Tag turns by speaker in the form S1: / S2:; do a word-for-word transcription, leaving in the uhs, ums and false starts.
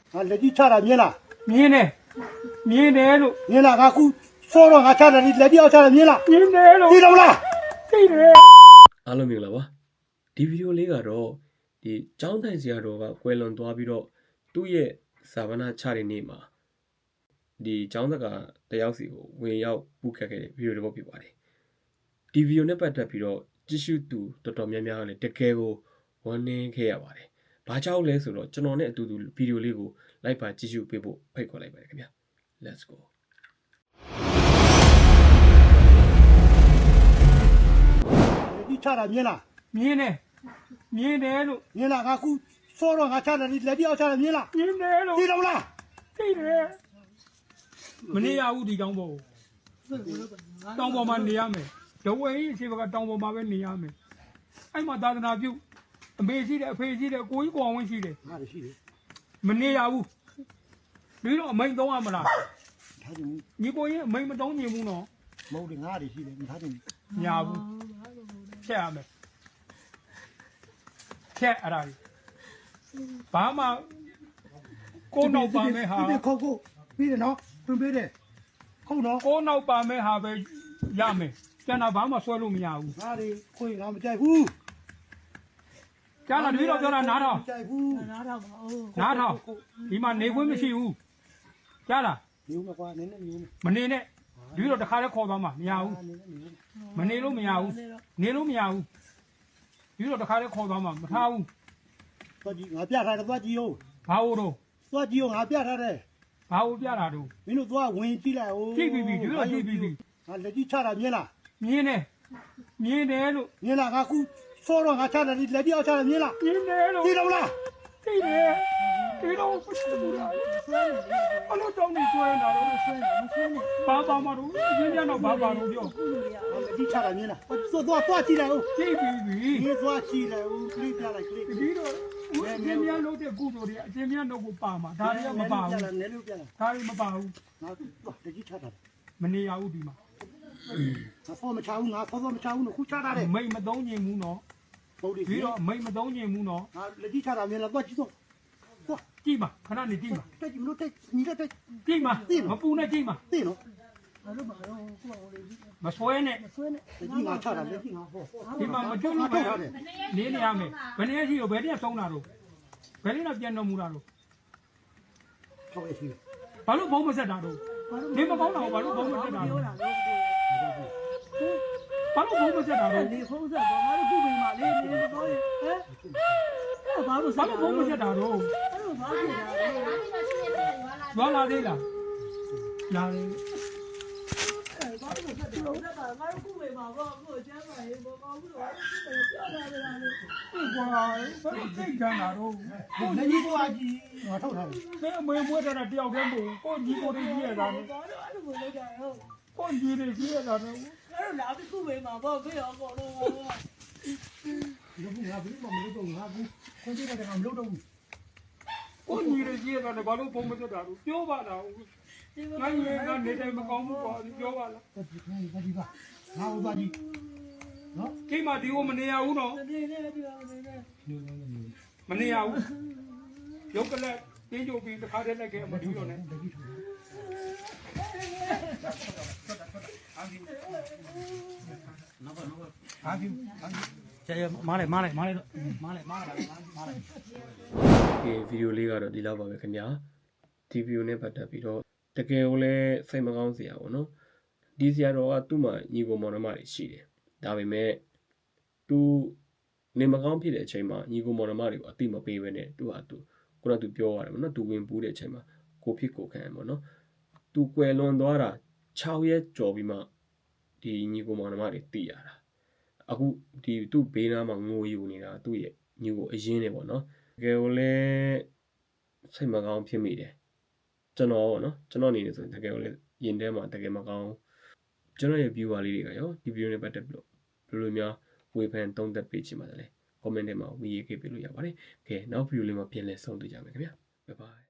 S1: 啊，来你查了没啦？
S2: မြင်းတယ်မြင်းတယ်လို့
S1: 没啦，俺姑说了，俺查了，你来你要查了没啦？
S2: မြင်းတယ်လို့
S1: 知道不啦？
S2: သိတယ်
S3: အားလုံးမြင်လာပါဒီဗီဒီယိုလေးကတော့ဒီကျောင်းထိုင်ဆရာတော်ကကွယ်လွန်သွားပြီးတော့သူ့ရဲ့ဇာဝနာချတဲ့နေ့မှာဒီကျောင်းသက်ကတယောက်စီကိုဝင်ရောက်ပူခတ်ခဲ့တဲ့ဗီဒီယိုတစ်ပုဒ်ဖြစ်ပါတယ်ဒီဗီဒီယိုနဲ့ပတ်သက်ပြီးတော့ကြည့်ရှုသူတော်တော်များများကလည်းတကယ်ကိုဝမ်းနည်းခဲ့ရပါတယ်ဘာကြောင့်လဲဆိုတော့ကျွန်တော်နဲ့အတူတူဗီဒီယိုလေးကိုလိုက်ပါကြည့်ရှုပေးဖို့ဖိတ်ခေါ်လိုက်ပါတယ်ခင်ဗျာ let's go
S1: 你查了没啦？
S2: မြင်းတယ်မြင်းတယ်လို့
S1: 没啦，俺姑说了，俺查了，你来你要查了没啦？
S2: မြင်းတယ်လို့
S1: 知道不啦？
S2: သိတယ်မနေရဘူးဒီတောင်ပေါ်တောင်ပေါ်မှာနေရမယ်ဒဝဲကြီးအရှိဘကတောင်ပေါ်မှာပဲနေရမယ်အဲ့မှာသာသနာပြုအမေရှိတယ်အဖေရှိတယ်ကိုကြီးကိုအောင်ဝင်းရှိတယ်
S1: 俺的是的，
S2: မနေရဘူးဒီတော့အမိန်သုံးရမလား
S1: 他就
S2: ညီကိုရင်အမိန်မသုံးညင်ဘူးနော်
S1: 没的，俺的是的，他就
S2: ညာဘူးချက်ရမယ်ချက်အဲ့ဒါကြီးဘာမှကိုယ်နောက်ပါမယ်ဟာ
S1: 这边考过，别的喏，准备的，考喏，
S2: ကိုယ်နောက်ပါမယ်ဟာပဲရမယ်ကျန်တာဘာမှဆွဲလို့မရဘူး
S1: 俺的会俺们在乎，
S2: ကျန်တာတပည့်တော်ပြောတာနားထောင်
S1: 在乎，
S2: နားထောင်ဒီမှာနေခွင့်မရှိဘူးကြားလား
S1: 牛嘛瓜，奶奶牛嘛，
S2: မနေနဲ့တပည့်တော်တခါတည်းခေါ်သွားမှာမရဘူး
S1: 奶奶牛嘛，
S2: မနေလို့မရဘူးနေလို့မရဘူးတပည့်တော်တခါတည်းခေါ်သွားမှာမထားဘူး
S1: 抓鸡，俺别他的抓鸡哟，
S2: ဘာလို့တော့
S1: 抓鸡哟，俺别他的，
S2: ဘာလို့ပြတာတော့
S1: 民族抓文鸡来哦，
S2: ကြည့်ပြီးပြီတပည့်တော်ကြည့်ပြီးပြီ
S1: 俺来你查了没啦？
S2: မြင်းတယ်မြင်းတယ်လို့
S1: 没啦，俺姑说了，俺查了，你来你要查了没啦？
S2: မြင်းတယ်လို့
S1: 知道不啦？
S2: သိတယ်ဒီတော့မရှိဘူးလားအလို့တောင်းနေကျွဲနေတာတော့ဆွဲနေမဆွဲနေဘာပါမတော့ရင်းရတော့ဘာပါတော့ပြော
S1: 俺来你查了没啦？我抓抓抓鸡来哦，
S2: ကြည့်ပြီးပြီ
S1: 你抓鸡来哦，可以别来可以。
S2: ဒီတော့အကျဉ်းများလုပ်တဲ့ကုသိုလ်တွေအကျဉ်းများလုပ်ကိုပါမှာဒါတွေကမပါဘူး
S1: နည်းလို့ပြလာ
S2: ဒါတွေမပါဘူး
S1: ငါတော့တကြီးချတာ
S2: မနေရဘူးဒီမှာ
S1: ငါဖော်မချဘူးငါဖော်ဖော်မချဘူးလို့ခုချတာတယ်
S2: မိတ်မသုံးညင်ဘူးနော်
S1: ဟုတ်တယ်
S2: ဒီတော့မိတ်မသုံးညင်ဘူးနော်
S1: ငါလက်ကြီးချတာမြန်လာတော့ကြည့်တော့တော့
S2: ကြည့်ပါခဏနေကြည့်ပါ
S1: တက်ကြည့်မလို့တက်ညီတက်တက်
S2: ကြည့်ပါမပူနဲ့ကြည့်ပါ
S1: သိနော်
S2: မဆွဲနဲ့
S1: လက်ကြီးငါချတာလက်ကြီးငါဟော
S2: ဒီမှာမကျွတ်လို့ပဲနေနေရမယ်ဘယ်နည်းရှိတော့ဘယ်နည်းဆုံးတာတော့ဘယ်နည်းတော့ပြန်တော်မူတာတော့
S1: ဟုတ်ရဲ့ရှိတယ်
S2: ဘာလို့ဘုံမဆက်တာတော့နေမကောင်းတာဘာလို့ဘုံမဆက်တာတော့ဘာလို့ဘုံမဆက်တာတော့
S4: 你红色的，俺都不会嘛，你你是搞的，哎，哎，把路
S2: ဘာလို့ဘုံမဆက်တာတော့
S4: 哎呦，哪去的？
S2: ရွာလာသေးလားလာတယ်
S4: 哎，把路ဆက်的，我这把俺都不会嘛，我我讲嘛，我我不说，我表达的啦。
S2: ဒီကွာဘာလို့သိကြတာတော့ကို
S1: လက်
S2: ညီ
S1: ကြီးကွာကြီးငါထုတ်ထားတယ်
S2: ဘယ်အမေမွေးတာတယောက်တည်းမဟုတ်ကိုညီကိုတွေကြီးရတာနဲ့
S4: 我都俺都不会讲哟，
S2: ကိုညီတွေကြီးရတာနဲ့
S4: 俺都哪里不会嘛，我不要搞了我。
S1: ဒီကငါဘူးမမလို့တော့ငါဘူးခွန်ကြည့်တယ်ငါမလို့တော့ဘူး
S2: ကိုညီတွေကြီးရတာနဲ့ဘာလို့ဘုံမတက်တာတော့ပြောပါလားငါညီကနေတိုင်းမကောင်းဘူးကွာပြောပါလား
S1: တက်ကြည့်ခိုင်းတက်ကြည့်ပါငါဟောသွားကြည့်နော်
S2: ဒီမှာဒီကိုမနေရဘူးနော်
S4: 对对对对对。
S2: မနေရဘူးရုပ်ကလေးတင်းကြိုပြီးတစ်ခါတည်းလိုက်ခဲ့မတူတော့နဲ့
S1: လက်ကြီးထုတ်
S2: ဟာပြီကျေမားလိုက်မားလိုက်မားလိုက်တော့မားလိုက်မားလိုက်မားလိုက်
S3: ဒီဗီဒီယိုလေးကတော့ဒီလောက်ပါပဲခင်ဗျာဒီဗီဒီယိုနဲ့ပတ်သက်ပြီးတော့တကယ်ကိုလည်းစိတ်မကောင်းစရာပေါ့နော်ဒီဆရာတော်ကသူ့မှာညီကိုမောင်နှမတွေရှိတယ်ဒါပေမဲ့သူနေမကောင်းဖြစ်တဲ့အချိန်မှာညီကိုမောင်နှမတွေကိုအတိမပေးဘဲနဲ့သူဟာသူခုနကသူပြောရတယ်ပေါ့နော်သူဝင်ပူးတဲ့အချိန်မှာကိုဖြစ်ကိုခံရပေါ့နော်သူကွယ်လွန်သွားတာ၆ရက်ကျော်ပြီးမှဒီညီကိုမောင်နှမတွေတည်ရတာအခုဒီသူ့ဘေးနားမှာငိုယူနေတာသူ့ရဲ့ညီကိုအရင်နေပေါ့နော်တကယ်ကိုလည်းစိတ်မကောင်းဖြစ်မိတယ်ကျွန်တော်ပေါ့နော်ကျွန်တော်အနေနဲ့ဆိုရင်တကယ်ကိုလည်းရင်ထဲမှာတကယ်မကောင်းကျွန်တော်ရဲ့ viewer လေးတွေကရောဒီ video နဲ့ပတ်သက်ပြီးတော့ဘယ်လိုများဝေဖန်သုံးသပ်ပေးချင်ပါတယ်လဲ comment ထဲမှာဝင်ရေးခဲ့ပေးလို့ရပါတယ်။ကဲနောက် video လေးမှာပြန်လည်ဆုံတွေ့ကြမယ်ခင်ဗျာ။ Bye bye